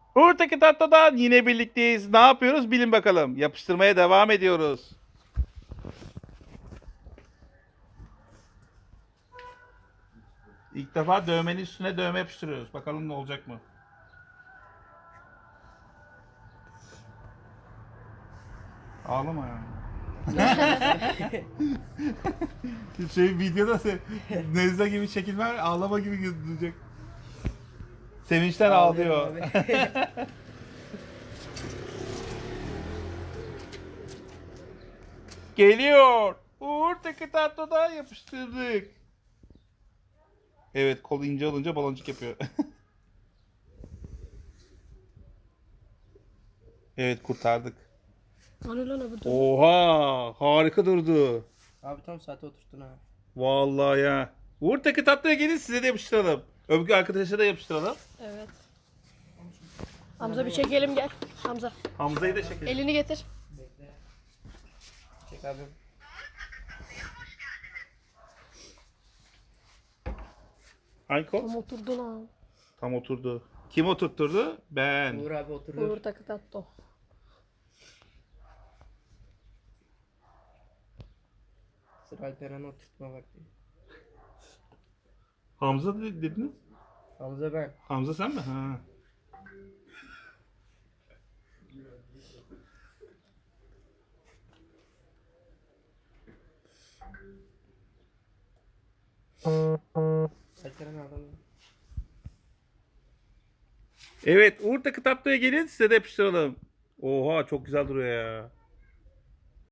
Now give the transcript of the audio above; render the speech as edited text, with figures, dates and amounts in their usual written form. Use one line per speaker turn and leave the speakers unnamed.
Uğur'taki tatlıdan yine birlikteyiz. Ne yapıyoruz bilin bakalım. Yapıştırmaya devam ediyoruz. İlk defa dövmenin üstüne dövme yapıştırıyoruz. Bakalım ne olacak mı? Ağlama ya. Videoda Nezle gibi çekilme ağlama gibi gözükecek. Sevinçten ağlıyor.
Ağlıyorum abi.
Geliyor. Uğur'taki tatlıdan yapıştırdık. Evet, kol ince olunca baloncuk yapıyor. Evet, kurtardık.
Hani lan öbür türlü.
Oha, harika durdu.
Abi tam saate oturttun ha.
Vallahi ya. Uğur'taki tatlıya gelin size de yapıştıralım. Öbür arkadaşa da yapıştıralım.
Evet. Hamza bir çekelim gel. Hamza.
Hamza'yı da çekelim.
Elini getir.
Bekle. Çek abi.
Hangi kol?
Tam oturdu lan.
Tam oturdu. Kim oturtturdu? Ben.
Uğur abi oturuyor.
Uğur takı tatlı.
Sıra Alperen'e oturtma vakti.
Hamza dediniz.
Hamza ben.
Hamza sen mi? Ha.
Alperen adam.
Evet, Uğur'taki tatlıya gelin size de yapıştıralım. Oha, çok güzel duruyor ya.